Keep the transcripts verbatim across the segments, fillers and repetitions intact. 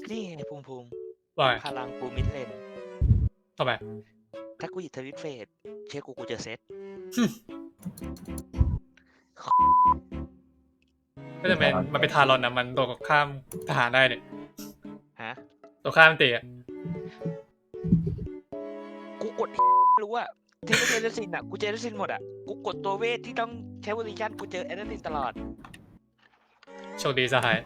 นี่ไงภูมิภูมิว่าไงพลังกูมิดเลนทำไมถ้ากูหยิบทวิตเฟสเชื่อกูกูจะเซตไม่จำเป็นมันเป็นทารอนนะมันตัวข้ามทหารได้เนี่ยฮะตัวข้ามตีอะกูกด รู้อะเทเลเจอร์ซินอะกูเจอร์ซินหมดอะกูกดตัวเวทที่ต้องใช้วอลิชันกูเจอแอนนาลินตลอดโชคดีสหาย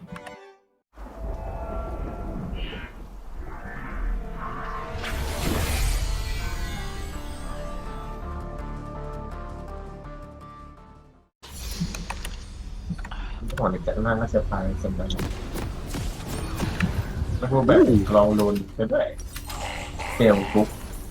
หัวในจัดนั่งก็จะตายสมบัติแล้วพวกแบบลองโดนไปด้วยเซลปุ๊บ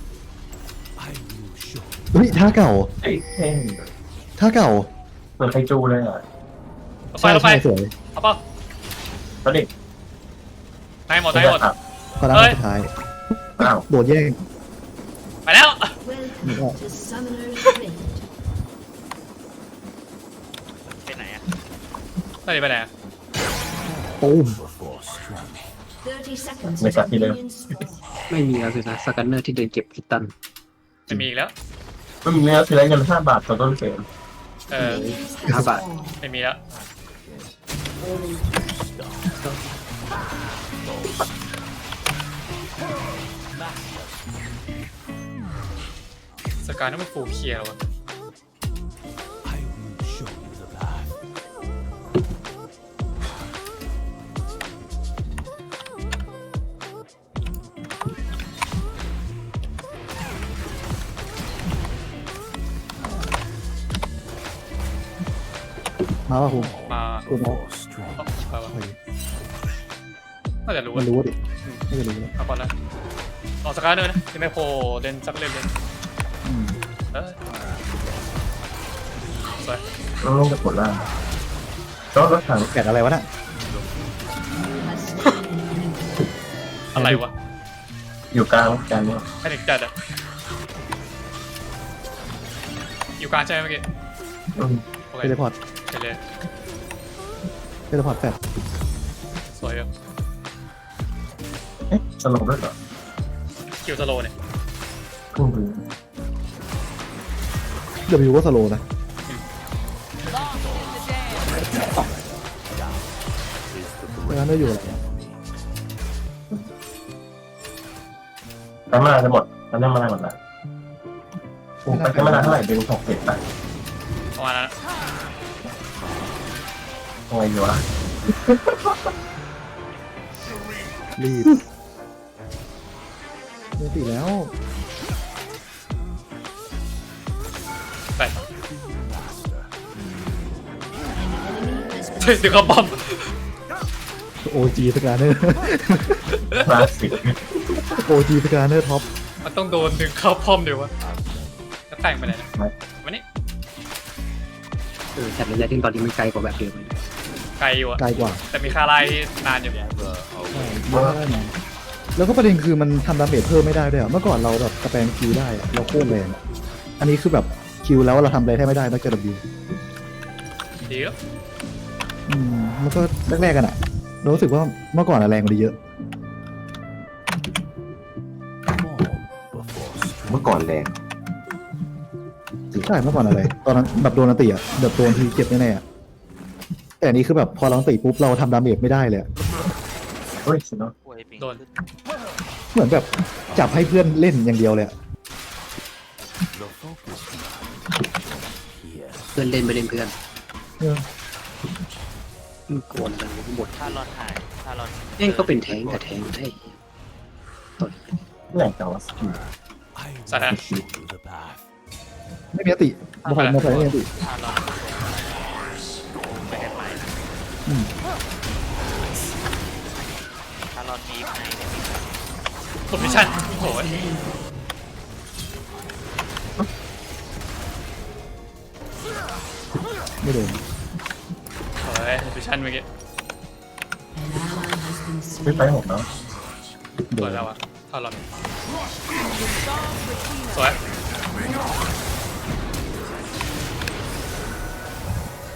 เฮ้ยท่าเก่าไอ้เท่งท่าเก่าเหมือนไคจูเลยอ่ะไปเราไปสวยเอาเปล่าตอนเด็กได้หมดได้หมดพอแล้วเฮ้ยสุดท้ายอ้าวโดดแย่งไปแล้วนี่ก็ To Summoner's Rift. ไปไหนอะตอนนี้ไปไหนอะตูม thirty seconds Make up until healer. minions spawn. ไม่มีแล้วสินะสกันเนอร์ที่เดินเก็บคิตตันไม่มีอีกแล้วมันมีแล้วคือได้เงินห้าบาทต่อต้นเกมเออ Minions How have about- spawned. ไม่มีแล้วสกายต้องเป็นฟูลเคลียร์แล้ววะมาป่ะคุณมาคุณเอาไปวะเฮ้ยน่าจะรู้มันอะรู้ดิไม่จะรู้แล้วเอาก่อนแล้วออกสกายเนอร์นะยังไม่โผล่เล่นสักเล่นเลยอืมเออสวยต้องลงกับผลล่างก็รถถังแกะอะไรวะน่ะอะไรวะอยู่กลางกันเนี่ยแพนิคจัดอะอยู่กลางใช่ไหมเมื่อกี้อืมโอเคเทเลพอร์ตไปเลยเทเลพอร์ตแฟดสวยอยู่เอ๊ะสลบด้วยเหรอคิวสโลเนี่ยพุ่งไปเดบิวก็สโลว์นะแล้วนั่นอยู่อะไรอะแต่มาจะหมดตอนนี้มาหมดละโอ้ไปมาเท่าไหร่เป็นหกสิบไปประมาณนั้นอะทำไงดีวะรีบเมติแล้วไป Enemy has เฮ้ยเดี๋ยวเขาบอมโอจีสกาเนอร์คลาสสิกโอจีสกาเนอร์ท็อปมันต้องโดนดึงเข้าพอมเดี๋ยววะแล้วแต่งไปไหนนะวันนี้เออแต่ระยะที่ตอนนี้มันไกลกว่าแบบเดิมเลยไกลอยู่อะไกลกว่าแต่มีคาไลนานอยู่ใช่เยอะได้นะแล้วก็ประเด็นคือมันทำดาเมจเพิ่มไม่ได้ด้วยอะเมื่อก่อนเราแบบสแปมคิวได้อะเราโคตรแรงอะอันนี้คือแบบคิวแล้วเราทำอะไรแทบไม่ได้นอกจากดับบิวดีแล้วอืมมันก็แรกๆกันอะเรารู้สึกว่าเมื่อก่อนอะแรงกว่านี้เยอะเมื่อก่อนแรงใช่เมื่อก่อนอะไร ตอนนั้นแบบโดนอันติอะแบบโดนทีเจ็บแน่ๆอะแต่อันนี้คือแบบพอเราอันติปุ๊บเราทำดาเมจไม่ได้เลยอะเฮ้ยสิเนาะป่วยปิงโดนขึ้นเหมือนแบบจับให้เพื่อนเล่นอย่างเดียวเลยอะเพื่อนเล่นไม่เล่นเพื่อนเออมันโกนกันหมดถ้ารอนหายถ้ารอนเอ้ยก็เป็นแทงแต่แทงได้ตอนแหล่งแต่ว่าสกิลสถานไม่มีอันติบอลมาใส่ไม่มีอันติถ้ารอนไปกันใหม่อืมถ้ารอนมีในเนี่ยมีกดมิชชั่นโอ้ยไม่โดนโอ้ยมิชชั่นเมื่อกี้ An ally has been ไม่ slain. ไปหมดเนาะสวยแล้วอะถ้าเราสวย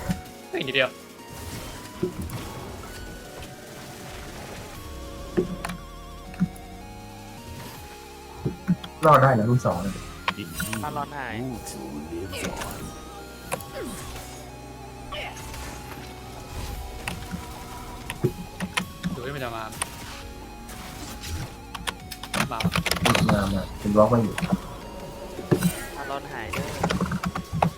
อีกนิดเดียวรอดได้นะรุ่นสองพารอนหายดูให้มันจะมามามามาเป็นบล็อกมาอยู่พารอนหายเด้อ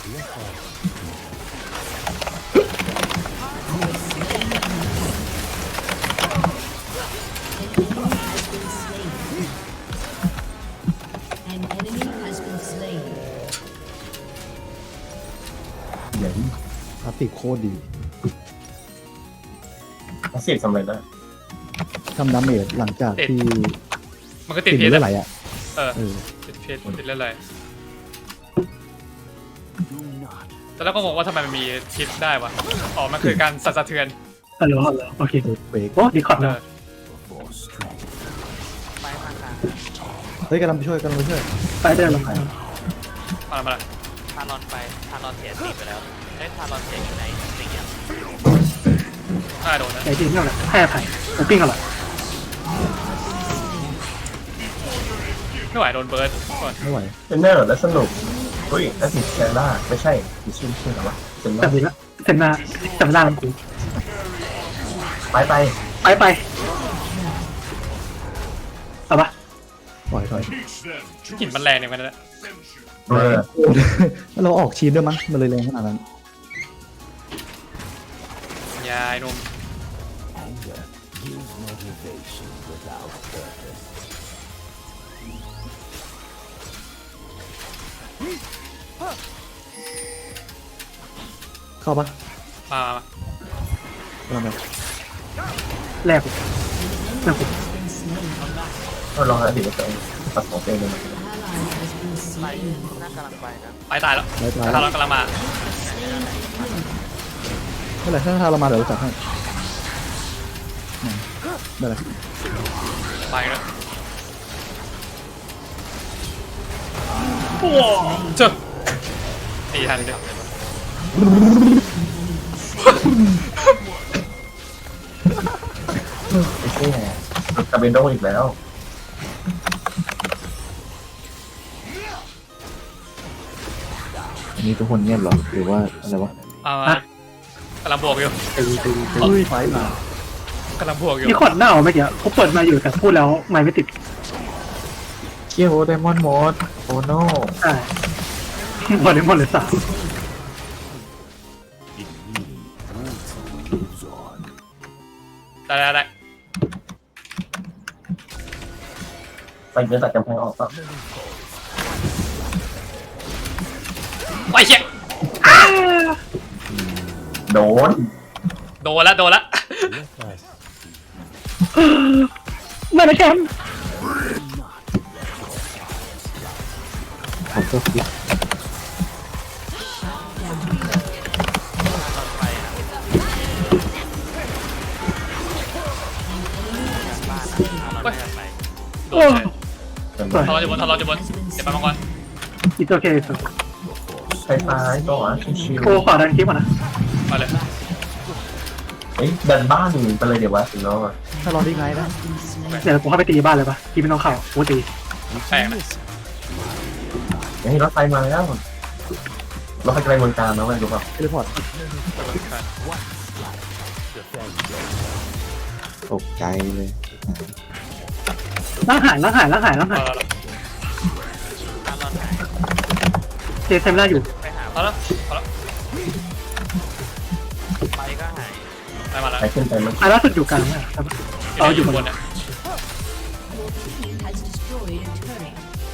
An enemy has been slain. เดี๋ยวพลาสติกโคตรดีอาชีพสำเร็จแล้วทำดาเมจหลังจากที่มันก็ติดติดเพชรเลือดไหลอ่ะเออเออติดเพชรติดเลือดไหลแต่แล้วก็งงว่าทำไมมันมีทิศได้วะอ๋อมันคือการสั่นสะเทือนฮัลโหลฮัลโหลโอเคเบรกโอ้ดีคอร์ดเอนะอไปมากลางเฮ้ยกำลังไปช่วยกำลังไปช่วยไปเดินลงไปมาละมาละพารอนไปพารอนเสียสีไปแล้วเอ้ยพารอนเสียอยู่ในสีอ่ะน่าโดนนะไอ้ที่นี่แหละให้อภัยผมปิ้งกันหรอไม่ไหวโดนเบิร์ดก่อนไม่ไหวเป็นเนอร์และสนุกเฮ้ยอาชีพแซล่าไม่ใช่ดิชื่อชื่ออะไรวะเซนแต่ล่าดีละเซ็นหน้าจำได้แล้วกูไปไปไปไปเอาปะปล่อยปล่อยกลิ่นมันแรงเนี่ยมันนะเออเราออกชีนด้วยมั้งมันเลยแรงขนาดนั้นยายนมเข้าปะมามามากำลังไปแรกกูแรกกูก็ลองอาชีพกับตัวเองปัดของตัวเองเลย Ally has been ไป slain. น่ากำลังไปนะไปตายแล้วไล่ตายถ้าเรากำลังมาเมื่อไหร่ถ้าเรามาเดี๋ยวเราจัดให้อืมได้เลยไปแล้วเจ้าตีทันเลยไม่ใช่ไงกาเบนโดอีกแล้วอันนี้ทุกคนเงียบหรอหรือว่าอะไรวะเอามากำลังบวกอยู่ตึงตึงตึงอุ้ยไฟมากำลังบวกอยู่นี่คอร์ดหน้าเอาไม่เกี่ยวเขาเปิดมาอยู่แต่พูดแล้วไม่ไม่ติดเคียวไดมอนด์มอสโอโน่ใช่หมดเลยหมดเลยสามได้ได้ได้ไปเดินตัดกำแพงออกก็ไปเชี่ยโดนโดนละโดนละไม่นะแชมป์ผมก็คิดไปนะบ้านนะพารอนไม่ไปโดนเลยทะเลาะอยู่บนทะเลาะอยู่บนเจ็บไปมังกรอีโอเคสุดใช้ซ้ายก็อ่ะชิวโคขอดันคลิปก่อนนะมาเลยๆเฮ้ยดันบ้านไปเลยเดี๋ยววะถึงแล้วอ่ะถ้าลองดีไงนะเดี๋ยวกูเข้าไปตีบ้านเลยปะที่ไม่ต้องเข้ากูตีแปลกนะเฮ้ยรถไฟมาแล้วรถไฟไกลเมืองการนะเว้ยรู้ป่ะเทเลพอร์ตตกใจเลยล้างหายล้างหายล้างหายล้างหายเอาละพารอนหายเจเซมล่าอยู่ไปหาเอาละเอาละไปก็หายได้มาแล้วไปขึ้นไปมันอ่ะล่าสุดอยู่กลางนะเอาอยู่บนเนี่ย Your team has destroyed a turret.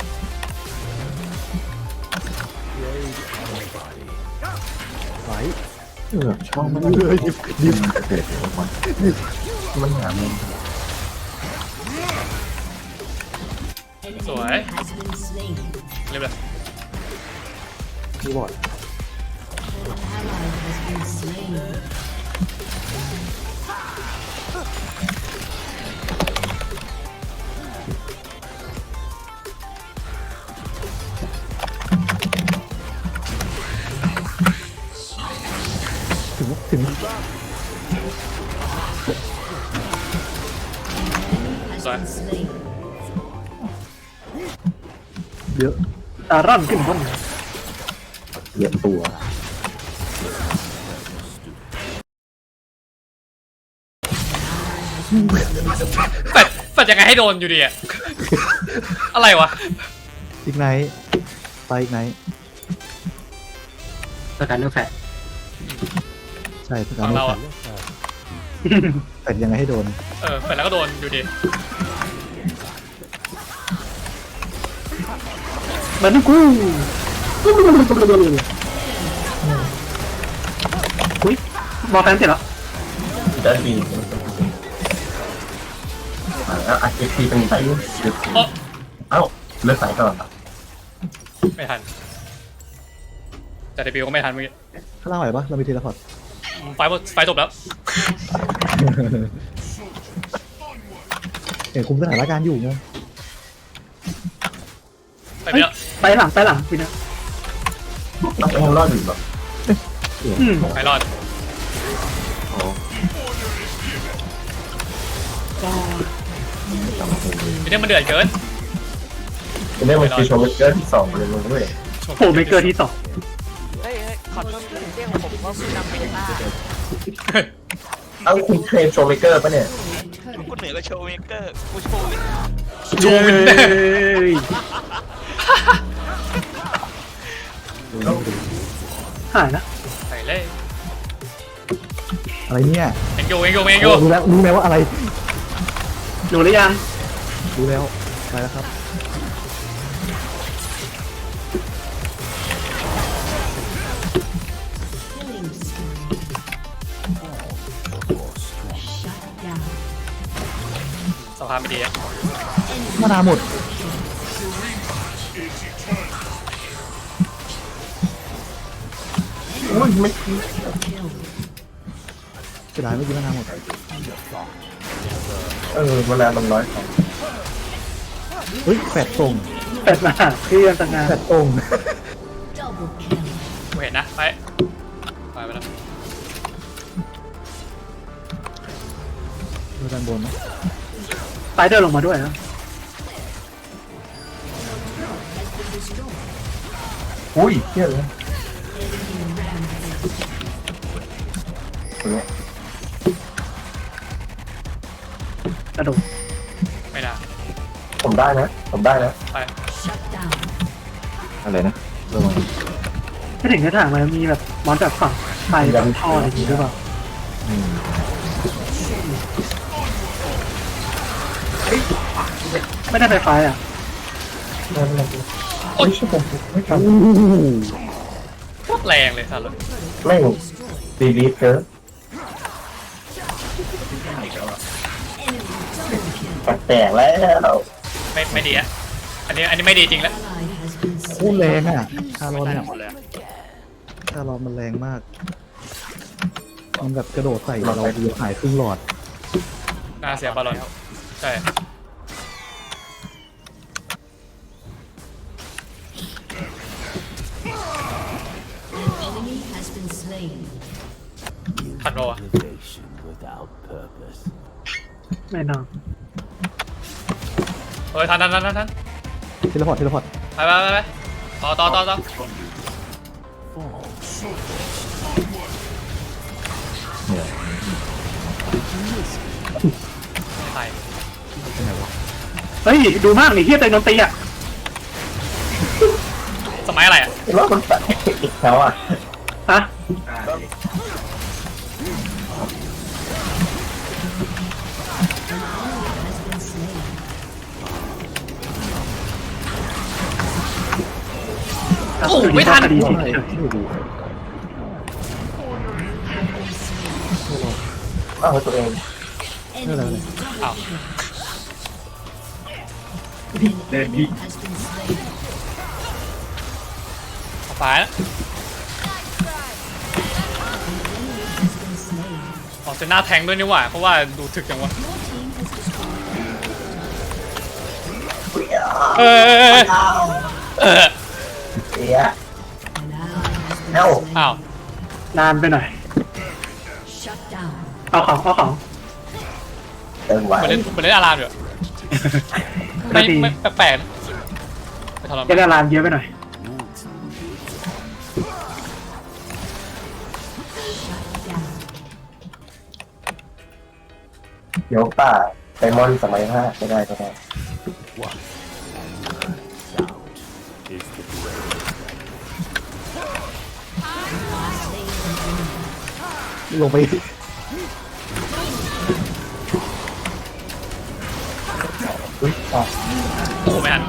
ไหวเออช่องมันเฮ้ยดิบดิบเกิดมันหามัน An Rồi. enemy has been slain. เรียบเลยคีย์บอร์ด An ally has been slain. ถึงถึง Has been slain. เยอะตาร่อนขึ้นบนเยอะตัวแฟดแฟดยังไงให้โดนอยู่ดีอะ อะไรวะอีกไนท์ไปอีกไนท์สการเนื้อแฟตใช่ประกาฝั่รงเราอะแต่ยังไงให้โดนเออแฟดแล้วก็โดนอยู่ดีเหมือนกูอุ้ยบอลแฟนเสร็จแล้วจะดีแล้วอาชีพที่เป็นใส่เลือดเอ้อเอ้าเลือดใส่ก่อนไม่ทันแต่เดบิวก็ไม่ทันเมื่อกี้ข้างล่างไหวปะเรามีเทเลพอร์ตไฟหมดไฟจบแล้วเห็นคุมสถานการณ์อยู่ไงไปไปแล้วไปหลังไปหลังพี่นะต้องไปรอดอยู่แบบอืมไปรอด มีเรื่องมันเดือดเกินจะได้มันคือโชว์เกอร์ที่สองเลยลงด้วยโผล่เมเกอร์ที่สองเฮ้ยเฮ้ยขอโทษที่เรียกผมว่าผู้นำเป็นต้าเอ้าคุณเทรนโชว์เมเกอร์ปะเนี่ยกูเหนือก็โชว์เมเกอร์กูโชว์วินโชว์วินเนอร์หายนะใส่เลยอะไรเนี่ยเอ็งโยเอ็งโยเอ็งโยรู้แล้วรู้แล้วว่าอะไรดูหรือยังรู้แล้วไปแล้วครับ Killing spree. Shut down. สภาพไม่ดีอะมานาหมดอุ้ยไม่ Kill. เสียดายเมื่อกี้มานาหมดเออเวลามันร้อยสองเฮ้ยแฟดตรงแปดมาเพื่อนต่างงานแฟดตรง Double kill. กูเห็นนะไปไปไปแล้วดูด้านบนนะไปเดินลงมาด้วยนะอุ้ยเที่ยเลยกระโดดไม่ได้ผมได้นะ ผมได้นะไป Shut down. อะไรนะระวังไม่ถึงกระถางมันมีแบบมอนจากฝั่งไปแบบท่ออะไรอย่างงี้ด้วยเปล่าอืมไม่ได้ไฟฟ้าอ่ะโอ้ยผมไม่ทันโคตรแรงเลยสัตว์เลยไม่ดีดีเจอแตกแล้วไม่ไม่ดีอะอันนี้อันนี้ไม่ดีจริงแล้ว Ally has been โคตรแรงอ่ะคารอนได้เนี่ยหมดเลยคารอนมันแรงมาก มันแบบกระโดดใส่เราเดียวหายครึ่งหลอดน่าเสียบอลลอนใช่ An enemy has been slain. ทันโรอะไม่นอนเฮ้ยทันทันทันทันทันเทเลพอร์ตเทเลพอร์ตไปไปไปไปต่อต่อต่อต่อเนี่ยใช่เป็นไงวะเฮ้ยดูมากนี่เฮียเตยโดนตีอ่ะสมัยอะไรอะเห็นว่ามันแตกอีกแล้วอ่ะฮะโอ้ไม่ทันดีไม่สิได้ไม่ดีอ้าวตัวเอง Enemy อ้าว enemy has been slain. เอาไปแล้ว Has been slain. ออกเซน่าแทงด้วยนี่หว่าเพราะว่าดูถึกจังวะ Your team has destroyed. เออเออเสีย An ally has been Ow. slain. อ้าวนานไปหน่อย Shut down. เอาของเอาของเติมไหวเหมือนเล่นเหมือนเล่นอารามอยู่ไม่ไม่ดีไม่แปลกๆนะไปทรเจมานดารามเยอะไปหน่อยเดี๋ยวป่าไดมอนด์สมัยห้าไม่ได้ก็ได้ลงไปอุ้ยอ่ะโอ้โหไม่ทัน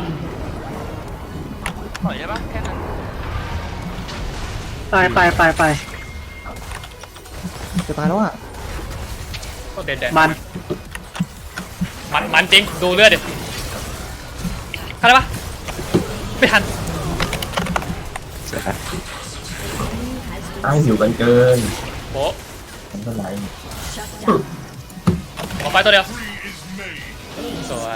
ปล่อยได้ปะแค่นั้นไปไปไปไปจะตายแล้วอ่ะก็เด็ดเด็ดมันมันมันจริงดูเลือดดิทันได้ปะไม่ทันอ้างหิวกันเกินโป๊ะมันก็ไหลออกไปตัวเดียวสวย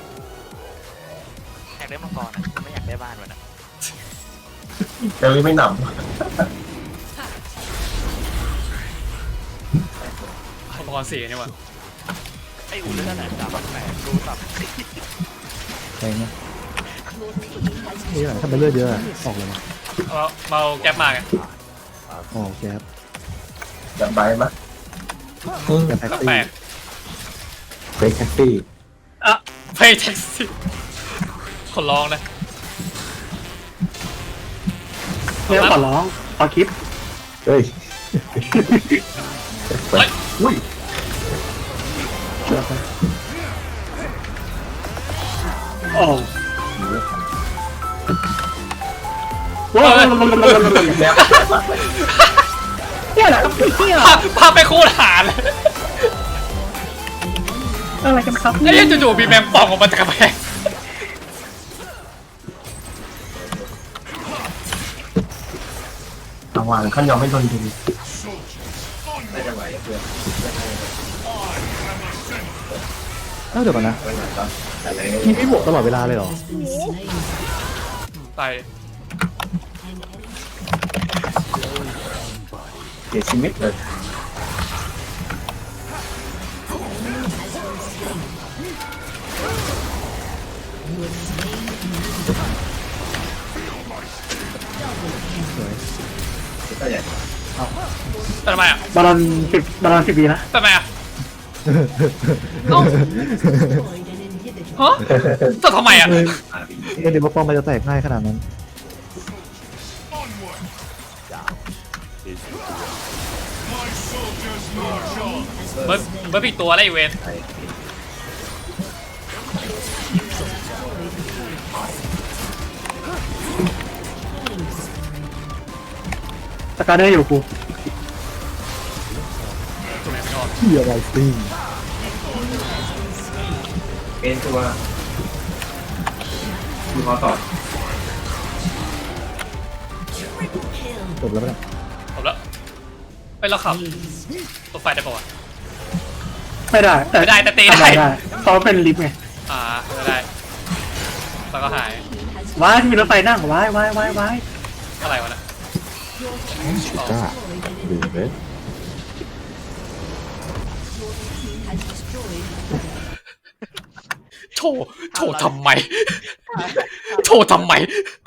อยากได้มังกรอะไม่อยากได้บ้านมันอะเจอไม่หนอุปกรณ์สี่นี่หว่าไอ้อุ่นเลือดไหนสามพันแปดรู้สับแพงนะนี่แหละถ้าเป็นเลือดเยอะอะออกเลยนะเอาเมาแก๊ปมาไงอ๋อแก๊ปำแบบใบมะแก๊ปแท็กแปลซี่กเฟกแท็กซี่ๆเพย์แท็กซี่ขอร้องนะเนี่ยขอร้องขอคลิปเฮ้ยเฮ้ยอุ้ยโอ้หิวว้าวแล้วเนี่ยแหละครับเที่ยภาพภาพไปคู่หาเลยอะไรกันครับไอ้เนี่ยจู่ๆมีแมงป่องออกมาจากกระแพงระวังขั้นยอมไม่โดนดึงเอ้าเดี๋ยวก่อนนะทีมไม่บวกตลอดเวลาเลยเหรอตายเสียชีวิตเลยแต่ทำไมอ่ะบอลลอนสิบบอลลอนสิบวีนะแต่ทำไมอ่ะเอ้าฮะแต่ทำไมอ่ะเออเอ็นเดี๋ยวป้อมมันจะแตกง่ายขนาดนั้นเบิร์ดเบิร์ดผิดตัวอะไรอีเวนสกาเดอร์อยู่กูถูกไหมไม่ออกเฮียไรซิ่งเป็นตัวมีคอต่อจบแล้วปะเนี่ยจบแล้วไปแล้วขับตัวไฟได้ป่าวะไม่ได้แต่ไม่ได้แต่ตีทำได้ได้เพราะเป็นลิฟต์ไงอ่าไม่ได้แล้วก็หายว้ายมีรถไฟนั่งว้ายว้ายว้ายว้ายอะไรวะนะจ้าหรือเว้ยโถโถทำไมโถทำไม